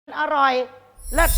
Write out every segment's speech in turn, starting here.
อร่อยเลิศ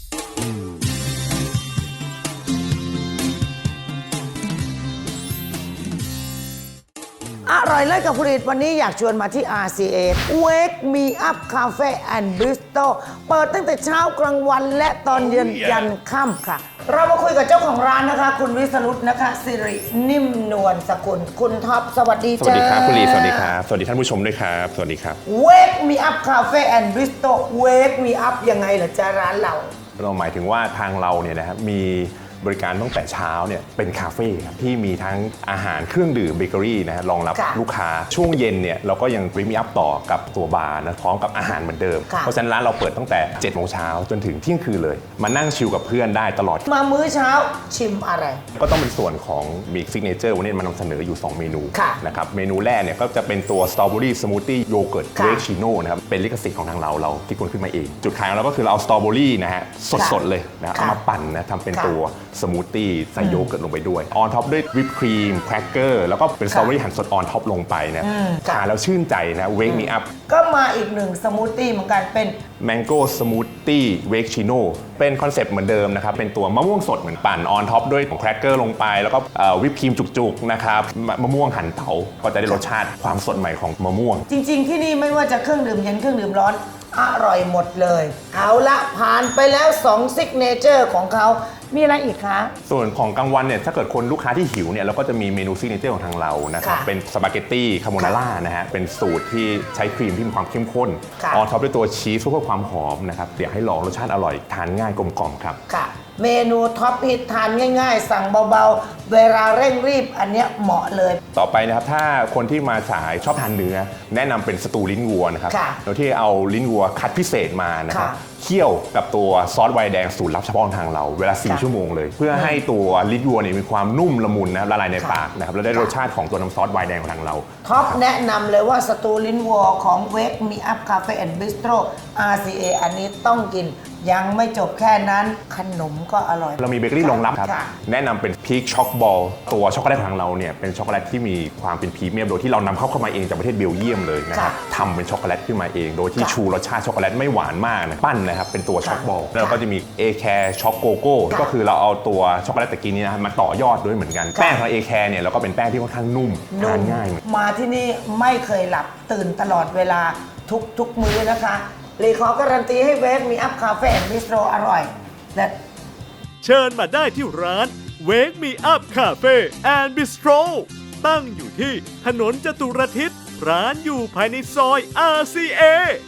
อร่อยเลิศกับผลิตวันนี้อยากชวนมาที่ RCA Wake Me Up Cafe and Bistro เปิดตั้งแต่เช้ากลางวันและตอนเย็นยันค่ำค่ะ เรามาคุยกับเจ้าของร้านนะคะ คุณวิสรุตนะคะสิรินิ่มนวลสกุลคุณท็อปสวัสดีจ้าสวัสดีครับคุณลีสวัสดีครับสวัสดีท่านผู้ชมด้วยครับสวัสดีครับ Wake Me Up Cafe and Bistro Wake Me Up ยังไงเหรอจ้าร้านเราหมายถึงว่าทางเราเนี่ยนะครับมีบริการตั้งแต่เช้าเนี่ยเป็นคาเฟ่ครับที่มีทั้งอาหารเครื่องดื่มเบเกอรี่นะฮะรองรับลูกค้าช่วงเย็นเนี่ยเราก็ยังริมอัพต่อกับตัวบาร์นะพร้อมกับอาหารเหมือนเดิมเพราะฉะนั้นร้านเราเปิดตั้งแต่7 โมงเช้าจนถึงเที่ยงคืนเลยมานั่งชิลกับเพื่อนได้ตลอดมามื้อเช้าชิมอะไรก็ต้องเป็นส่วนของมีซิกเนเจอร์วันนี้มานำเสนออยู่2 เมนูนะครับเมนูแรกเนี่ยก็จะเป็นตัวสตรอเบอรี่สมูทตี้โยเกิร์ตเวกชิโน่นะครับเป็นลิขสิทธิ์ของทางเราคิดค้นขึ้นมาเองจุดขายของเราก็คือเราเอาสตรอเบอรี่นะฮะสดๆเลยนะเอามาปั่นนะทำเป็นตัวสมูทตี้ใส่โยเกิร์ตลงไปด้วยออนท็อปด้วยวิปครีมแครกเกอร์แล้วก็เป็นสตรอเบอรี่หั่นสดออนท็อปลงไปนะทานแล้วชื่นใจนะเวกมีอัพก็มาอีกหนึ่งสมูทตี้เหมือนกันเป็นแมงโก้สมูทตี้เวกชิโน่เป็นคอนเซปต์เหมือนเดิมนะครับเป็นตัวมะม่วงสดเหมือนปั่นออนท็อปด้วยแครกเกอร์ลงไปแล้วก็วิปครีมจุกๆนะครับมะม่วงหั่นเต๋าก็จะได้รสชาติความสดใหม่ของมะม่วงจริงๆที่นี่ไม่ว่าจะเครื่องดื่มเย็นเครื่องดื่มร้อนอร่อยหมดเลยเอาละผ่านไปแล้ว2ซิกเนเจอร์ของเขามีอะไรอีกคะส่วนของกลางวันเนี่ยถ้าเกิดคนลูกค้าที่หิวเนี่ยเราก็จะมีเมนูซิกเนเจอร์ของทางเรานะครับเป็นสปาเกตตี้คาโบนาร่านะฮะเป็นสูตรที่ใช้ครีมที่มีความเข้มข้นออนท็อปด้วยตัวชีสเพื่อความหอมนะครับอยากให้ลองรสชาติอร่อยทานง่ายกลมกล่อมครับค่ะเมนูท็อปฮิตทานง่ายๆสั่งเบาๆเวลาเร่งรีบอันเนี้ยเหมาะเลยต่อไปนะครับถ้าคนที่มาสายชอบทานเนื้อแนะนำเป็นสตูลิ้นวัวนะครับโดยที่เอาลิ้นวัวคัดพิเศษมานะครับเคี่ยวกับตัวซอสไวน์แดงสูตรลับเฉพาะของทางเราเวลา4 ชั่วโมงเลยเพื่อให้ตัวลิ้นวัวเนี่ยมีความนุ่มละมุนนะละลายในปากนะครับแล้วได้รสชาติของตัวน้ำซอสไวน์แดงของทางเราท็อปแนะนำเลยว่าสตูลิ้นวัวของ Wake Me Up Cafe and Bistro RCA อันนี้ต้องกินยังไม่จบแค่นั้นขนมก็อร่อยเรามีเบเกอรี่รองรับครับแนะนำเป็นพีคช็อกบอลตัวช็อกโกแลตของทางเราเนี่ยเป็นช็อกโกแลตที่มีความเป็นพรีเมียมโดยที่เรานำเข้ามาเองจากประเทศเบลเยียมเลยนะครับทำเป็นช็อกโกแลตขึ้นมาเองโดยที่ชูรสชาติช็อกโกแลตไม่หวานมากนะปั้นนะครับเป็นตัวช็อกบอลแล้วก็จะมีเอแคร์ช็อกโกโก้ก็คือเราเอาตัวช็อกโกแลตตะกี้นี้นะมาต่อยอดด้วยเหมือนกันแป้งของเอแคร์เนี่ยเราก็เป็นแป้งที่ค่อนข้างนุ่มทานง่ายมาที่นี่ไม่เคยหลับตื่นตลอดเวลาทุกมื้อนะคะเลยขอการันตีให้เวกมีอัพคาเฟ่แอนด์บิสโตรอร่อยและเชิญมาได้ที่ร้าน Wake Me Up Cafe and Bistro ตั้งอยู่ที่ถนนจตุรทิศร้านอยู่ภายในซอย RCA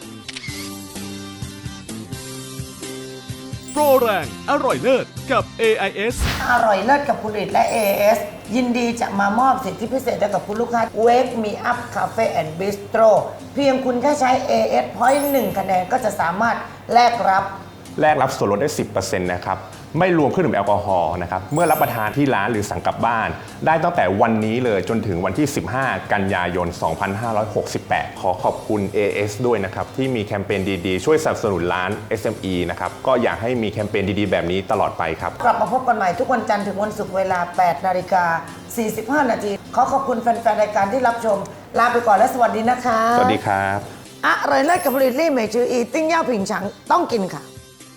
โปรแรงอร่อยเลิศกับ AIS อร่อยเลิศกับผลิตและ AIS ยินดีจะมามอบสิทธิพิเศษให้กับคุณลูกค้า Wake Me Up Cafe and Bistro เพียงคุณแค่ใช้ AIS Point 1 คะแนนก็จะสามารถแลกรับส่วนลดได้ 10% นะครับไม่รวมเครื่องดื่มแอลกอฮอล์นะครับเมื่อรับประทานที่ร้านหรือสั่งกลับบ้านได้ตั้งแต่วันนี้เลยจนถึงวันที่15 กันยายน 2568 ขอขอบคุณ AS ด้วยนะครับที่มีแคมเปญดีๆช่วยสนับสนุนร้าน SME นะครับก็อยากให้มีแคมเปญดีๆแบบนี้ตลอดไปครับกลับมาพบกันใหม่ทุกวันจันทร์ถึงวันศุกร์เวลา 8:45 น.ขอขอบคุณแฟนๆรายการที่รับชมลาไปก่อนและสวัสดีนะคะสวัสดีครับอร่อยเลิศกับผลิตลี่เหมยจืออีติ้งเย่าผิงฉังต้องกินค่ะ